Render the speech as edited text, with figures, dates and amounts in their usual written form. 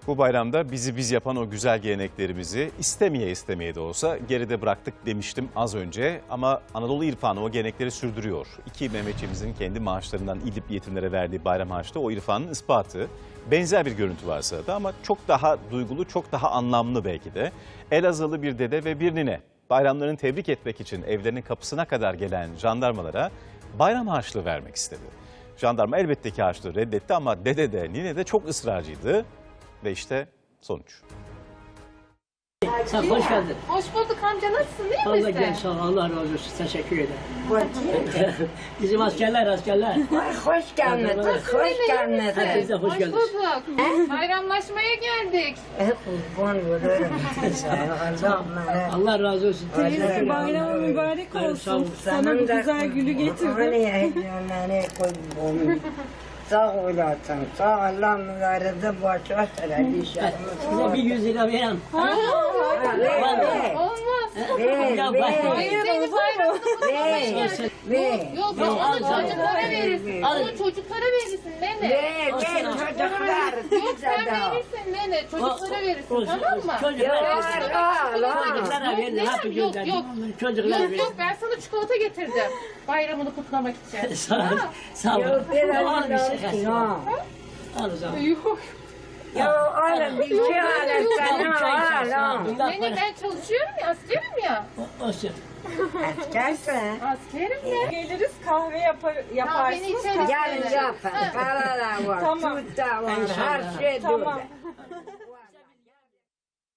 Bu bayramda bizi biz yapan o güzel geleneklerimizi istemeye de olsa geride bıraktık demiştim az önce. Ama Anadolu irfanı o gelenekleri sürdürüyor. İki Mehmetçiğimizin kendi maaşlarından İdlib yetimlere verdiği bayram harçlığı o irfanın ispatı. Benzer bir görüntü var sırada ama çok daha duygulu, çok daha anlamlı belki de. Elazığlı bir dede ve bir nine bayramlarını tebrik etmek için evlerinin kapısına kadar gelen jandarmalara bayram harçlığı vermek istedi. Jandarma elbette ki harçlığı reddetti ama dede de nine de çok ısrarcıydı. Ve işte sonuç. Sen hoş geldin. Hoş bulduk amca, nasılsın, değil Allah misin? gel sağ ol, Allah razı olsun. Teşekkür ederim. Bizim askerler. Hoş gelmedin, hoş gelmedin. Herkes de hoş Hoş geldiniz. bulduk. Bayramlaşmaya geldik. Kurban olurum. Allah razı olsun. Teyze, Bayram mübarek Sağ ol. olsun. Sana bu güzel gülü getirdim. Sağ olasın, sağ Allah mübarede başa selam inşallah. Size bir 100 lira vereyim. Olmaz. Ya Hayır, senin bayramını kutlamayın. Ver, Yok, onu çocuklara verirsin. Onu çocuklara verirsin nene. ver çocuklar. Yok, sen verirsin nene. Çocuklara verirsin, tamam mı? Çocuklara verin. Nene, Hapı yok, gönderin. yok. Çocuklara Yok, verin. yok, ben sana çikolata getirdim. Bayramını kutlamak için. Sağ ol. Sağ ol. Yok, biraz Al bir şey. olsun, ha. Al o zaman. Yok. Ya oğlum bir şey alasana, al. Nene, ben çalışıyorum ya, askerim ya. Olsun. Askersin. Askerim ya. Geliriz kahve Beni yaparsınız. içeri Yarın yapın, para da var, Tamam. süt de var, İnşallah. her şey Tamam. burada.